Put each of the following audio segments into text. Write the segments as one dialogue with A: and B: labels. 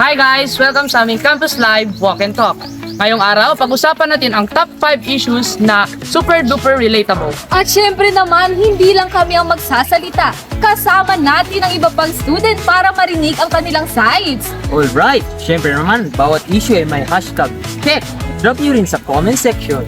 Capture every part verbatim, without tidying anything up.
A: Hi guys! Welcome sa aming Campus Live Walk and Talk. Ngayong araw, pag-usapan natin ang top five issues na super duper relatable.
B: At syempre naman, hindi lang kami ang magsasalita. Kasama natin ang iba pang student para marinig ang kanilang sides.
C: Alright, syempre naman, bawat issue ay may hashtag. Check! Drop nyo rin sa comment section.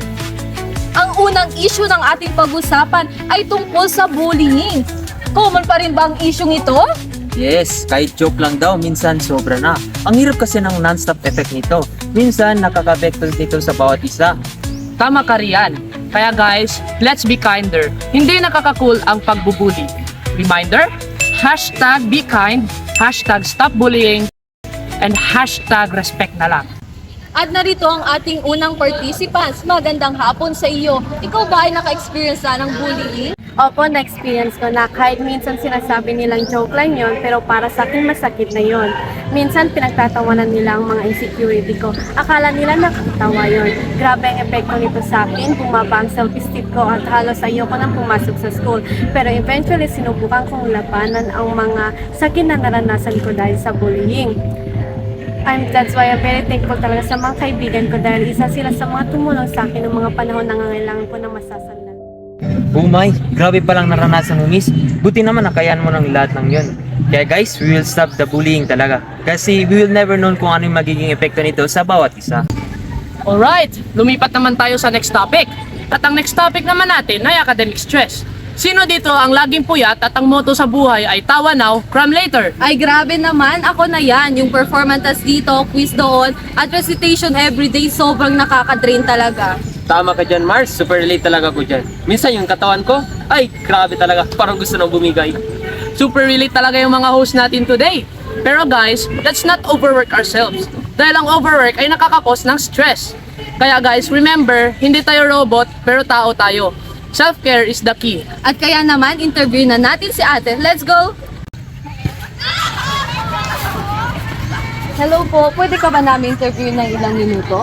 B: Ang unang issue ng ating pag-usapan ay tungkol sa bullying. Common pa rin ba ang issue ito?
C: Yes, kahit joke lang daw, minsan sobra na. Ang hirap kasi ng non-stop effect nito. Minsan, nakaka-apekto nito sa bawat isa.
A: Tama ka riyan. Kaya guys, let's be kinder. Hindi nakaka-cool ang pagbubuli. Reminder, hashtag be kind, hashtag stop bullying, and hashtag respect na lang.
B: At narito ang ating unang participants. Magandang hapon sa iyo. Ikaw ba ay naka-experience na ng bullying?
D: Opo, na-experience ko na kahit minsan sinasabi nilang joke lang yon, pero para sa akin masakit na yon. Minsan pinagtatawanan nila ang mga insecurity ko. Akala nila nakakatawa yon. Grabe ang epekto nito sa akin, bumaba ang self-esteem ko at halos ayoko nang pumasok sa school. Pero eventually sinubukan kong labanan ang mga sakit na naranasan ko dahil sa bullying. I'm, that's why I'm very thankful talaga sa mga kaibigan ko dahil isa sila sa mga tumulong sa akin ng mga panahon na nangangailangan ko ng masasandalan.
C: Oh my, grabe palang naranasan mo, miss. Buti naman nakayaan mo ng lahat ng yun. Kaya guys, we will stop the bullying talaga. Kasi we will never know kung ano yung magiging epekto nito sa bawat isa.
A: Alright, lumipat naman tayo sa next topic. At ang next topic naman natin ay academic stress. Sino dito ang laging puyat at ang motto sa buhay ay tawa now, cram later?
B: Ay grabe naman, ako na yan. Yung performance dito, quiz doon, at recitation everyday, sobrang nakaka-drain talaga.
C: Tama ka dyan, Mars. Super relate talaga ko dyan. Minsan yung katawan ko, ay grabe talaga. Parang gusto nang bumigay.
A: Super relate talaga yung mga host natin today. Pero guys, let's not overwork ourselves. Dahil ang overwork ay nakakakos ng stress. Kaya guys, remember, hindi tayo robot, pero tao tayo. Self-care is the key.
B: At kaya naman, interview na natin si ate. Let's go! Hello po, pwede ka ba namin interview ng ilang minuto?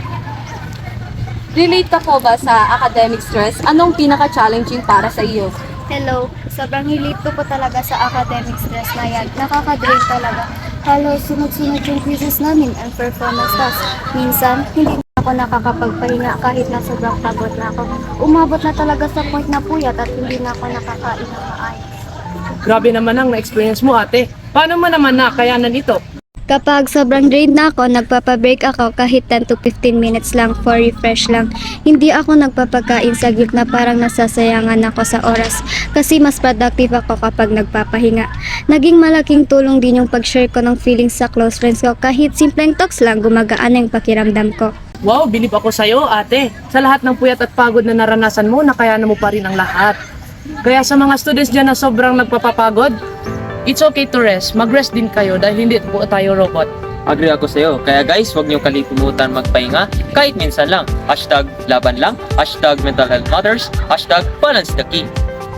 B: Relate ka po ba sa academic stress? Anong pinaka-challenging para sa iyo?
E: Hello, sobrang relate ko po talaga sa academic stress na yan. Nakaka-drain talaga. Halos sunod-sunod yung quizzes namin and performance tasks. Minsan, hindi na ako nakakapagpahinga kahit na sobrang pagod na ako. Umabot na talaga sa point na puyat at hindi na ako nakakain ng maayos.
A: Grabe naman ang na-experience mo ate. Paano mo naman nakayanan ito?
E: Kapag sobrang drained na ako, nagpapabreak ako kahit ten to fifteen minutes lang for refresh lang. Hindi ako nagpapakain sa guilt na parang nasasayangan ako sa oras kasi mas productive ako kapag nagpapahinga. Naging malaking tulong din yung pag-share ko ng feelings sa close friends ko kahit simpleng talks lang gumagaan ang pakiramdam ko.
A: Wow, bilib ako sa'yo ate. Sa lahat ng puyat at pagod na naranasan mo, nakayanan mo pa rin ang lahat. Kaya sa mga students dyan na sobrang nagpapapagod, it's okay to rest. Mag-rest din kayo dahil hindi po tayo robot.
C: Agree ako sa'yo. Kaya guys, huwag niyo kalimutan magpahinga kahit minsan lang. Hashtag laban lang, hashtag mental health matters, hashtag balance the key.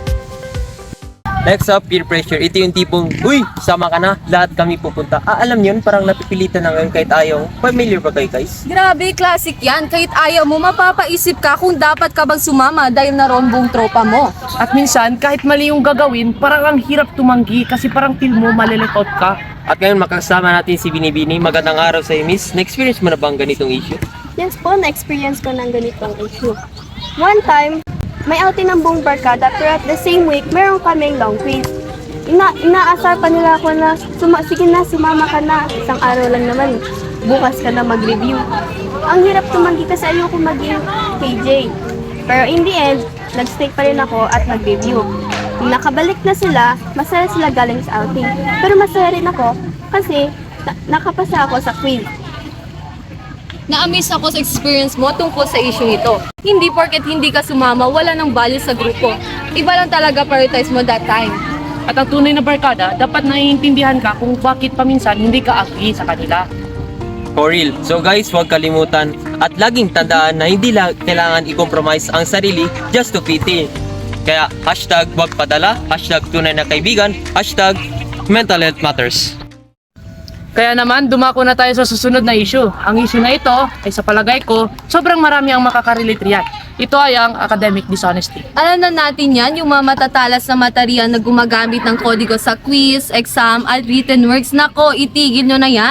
C: Next up, peer pressure. Ito yung tipong, uy, sama ka na, lahat kami pupunta. Ah, alam yun, parang napipilitan na ngayon kahit ayaw. Familiar ba kayo guys?
B: Grabe, classic yan. Kahit ayaw mo, mapapaisip ka kung dapat ka bang sumama dahil naroon buong tropa mo.
A: At minsan, kahit mali yung gagawin, parang ang hirap tumanggi kasi parang feel mo malilikout ka.
C: At ngayon, makasama natin si Binibini. Magandang araw sa'yo, miss. Na-experience mo na ba ang ganitong issue?
E: Yes po, na-experience ko ng ganitong issue. One time, may outing ng buong barkada pero at the same week, meron kaming long quiz. Ina inaasar pa nila ako na, suma sige na, sumama ka na. Isang araw lang naman, bukas ka na mag-review. Ang hirap tumanggi kasi ayoko maging K J. Pero in the end, nag-stay pa rin ako at nag-review. Nung nakabalik na sila, masaya sila galing sa outing. Pero masaya rin ako kasi na nakapasa ako sa quiz.
B: Na-amaze ako sa experience mo tungkol sa issue ito. Hindi porket hindi ka sumama, wala nang value sa grupo. Iba lang talaga prioritize mo that time.
A: At ang tunay na barkada, dapat naiintindihan ka kung bakit paminsan hindi ka agree sa kanila.
C: For real. So guys, huwag kalimutan at laging tandaan na hindi lang kailangan i-compromise ang sarili just to fit in. Kaya hashtag wag padala, hashtag tunay na kaibigan, hashtag mental health matters.
A: Kaya naman, dumako na tayo sa susunod na issue. Ang issue na ito ay sa palagay ko, sobrang marami ang makakarelate riyan. Ito ay ang academic dishonesty.
B: Alam na natin yan, yung mga matatalas na material na gumagamit ng kodigo sa quiz, exam, at written works. Nako, itigil nyo na yan.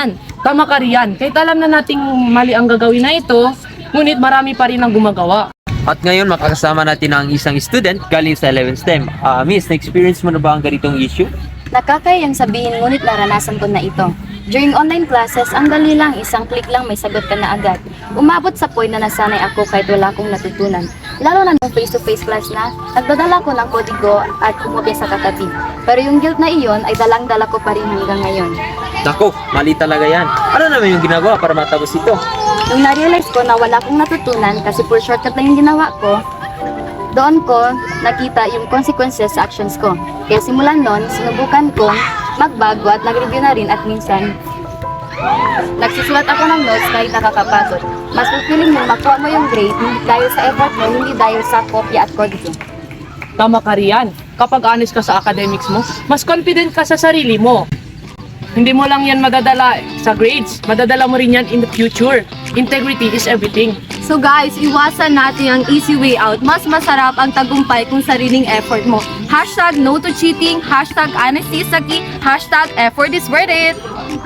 A: Tama ka riyan, kahit alam na nating mali ang gagawin na ito, ngunit marami pa rin ang gumagawa.
C: At ngayon makakasama natin ang isang student galing sa eleventh STEM. Ah, Miss, na-experience mo na ba ang ganitong issue?
F: Nakakayang sabihin ngunit naranasan ko na ito. During online classes, ang dali lang, isang click lang may sagot ka na agad. Umabot sa point na nasanay ako kahit wala akong natutunan. Lalo na nung face-to-face class na, nagdadala ko ng kodigo at kumopya sa katabi. Pero yung guilt na iyon ay dalang-dala ko pa rin hanggang ngayon.
C: Nako, mali talaga yan. Ano naman yung ginagawa para matapos ito?
F: Nung na-realize ko na wala akong natutunan kasi pure shortcut lang yung ginawa ko, doon ko nakita yung consequences sa actions ko. Kaya simulan nun, sinubukan kong magbago at nag-review na rin at minsan nagsusulat ako ng notes kahit nakakapagod. Mas fulfilling mo makuha mo yung grade hindi dahil sa effort mo, hindi dahil sa kopya at kodigo.
A: Tama ka riyan, kapag honest ka sa academics mo, mas confident ka sa sarili mo. Hindi mo lang yan madadala sa grades, madadala mo rin yan in the future. Integrity is everything.
B: So guys, iwasan natin ang easy way out. Mas masarap ang tagumpay kung sariling effort mo. Hashtag no to cheating, hashtag honesty is the key, hashtag effort is worth it.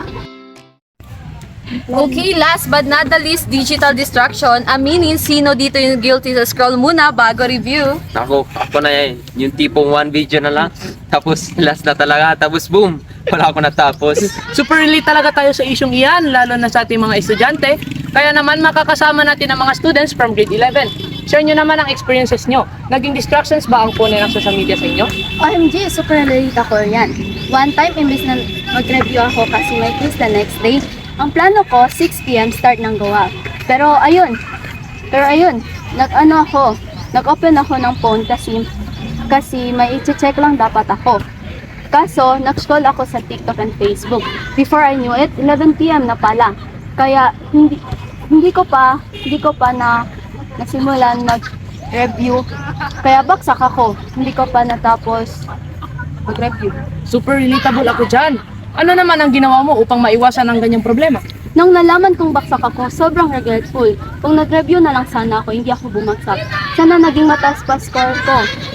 B: Okay, last but not the least, digital distraction. Aminin sino dito yung guilty sa scroll muna bago review.
C: Nako, ako na yan. Yung tipong one video na lang, tapos last na talaga, tapos boom, wala ako natapos.
A: Super relate talaga tayo sa isyong iyan, lalo na sa ating mga estudyante. Kaya naman makakasama natin ang mga students from grade eleven. Share nyo naman ang experiences nyo. Naging distractions ba ang phone ng social media sa inyo?
E: O M G, super relate ako yan. One time, imbis na mag-review ako kasi may quiz the next day, ang plano ko, six p m start ng gawa. Pero ayun, pero ayun, nag-ano ako, nag-open ako ng phone kasi, kasi may i-check lang dapat ako. Kaso, nag-scroll ako sa TikTok and Facebook. Before I knew it, eleven p m na pala. Kaya, hindi, hindi ko pa, hindi ko pa na, nasimulan mag-review. Kaya baksak ako, hindi ko pa natapos mag-review.
A: Super relatable ako dyan. Ano naman ang ginawa mo upang maiwasan ang ganyang problema?
E: Nung nalaman kong baksak ako, sobrang regretful. Kung nag-review na lang sana ako, hindi ako bumagsak. Sana naging mataas pa score ko.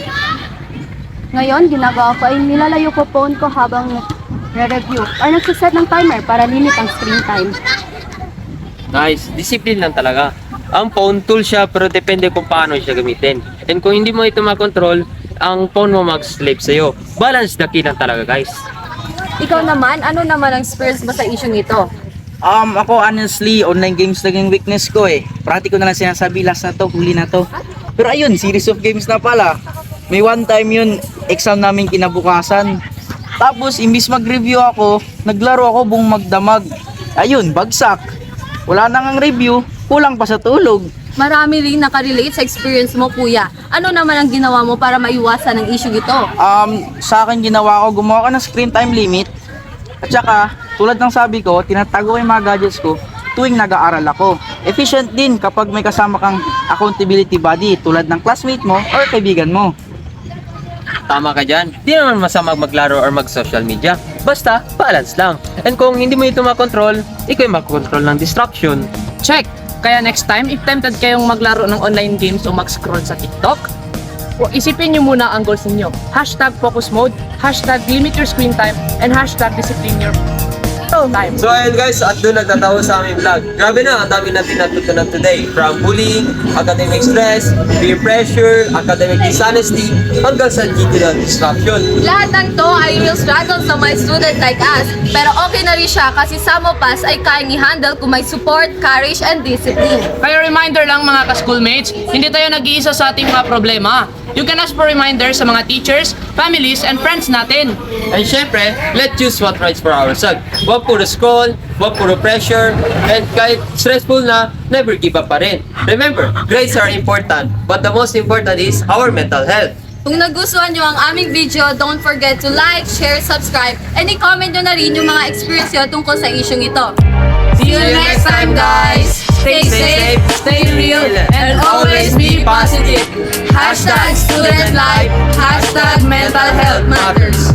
E: Ngayon, ginagawa ko ay nilalayo ko phone ko habang re-review or nagsiset ng timer para limit ang screen time.
C: Nice, discipline lang talaga. Ang phone tool siya pero depende kung paano siya gamitin. And kung hindi mo ito makontrol, ang phone mo mag-slave sa'yo. Balance the key lang talaga, guys.
B: Ikaw naman, ano naman ang experience mo sa issue ito?
G: Um, ako honestly, online games naging weakness ko eh. Parati ko na lang sinasabi, last na to, huli na to. Pero ayun, series of games na pala. May one time yun, exam namin kinabukasan. Tapos, imbis mag-review ako, naglaro ako buong magdamag. Ayun, bagsak. Wala nang ang review, kulang pa sa tulog.
B: Marami rin nakarelate sa experience mo, kuya. Ano naman ang ginawa mo para maiwasan ang issue ito?
G: Um, sa akin ginawa ko, gumawa ko ng screen time limit. At saka, tulad ng sabi ko, tinatago ko yung mga gadgets ko tuwing nag-aaral ako. Efficient din kapag may kasama kang accountability buddy tulad ng classmate mo or kaibigan mo.
C: Tama ka dyan. Di naman masama maglaro or mag-social media. Basta, balance lang. And kung hindi mo ito makontrol, ikaw yung makontrol ng distraction.
A: Check! Kaya next time, if tempted kayong maglaro ng online games o mag-scroll sa TikTok, o isipin nyo muna ang goals ninyo. Hashtag focus mode, hashtag limit your screen time, and hashtag discipline your time.
C: So ayun guys, at doon nagtatawa sa aming vlog. Grabe na, ang dami natin natutunan today. From bullying, academic stress, peer pressure, academic dishonesty, hanggang sa digital distraction.
B: Lahat ng to ay real struggle sa mga student like us. Pero okay na rin siya kasi sa Mopas ay kayang i-handle kung may support, courage, and discipline.
A: Kaya reminder lang mga ka-schoolmates, hindi tayo nag-iisa sa ating mga problema. You can ask for reminders sa mga teachers, families, and friends natin.
C: And syempre, let's choose what rights for ourselves. Huwag puro scroll, huwag puro pressure, and kahit stressful na, never give up pa rin. Remember, grades are important, but the most important is our mental health.
B: Kung nagustuhan nyo ang aming video, don't forget to like, share, subscribe, and i-comment nyo na rin yung mga experience nyo tungkol sa isyong ito. See you next time, guys! Stay safe, stay real, and always be positive. Hashtag student life, hashtag mental health matters.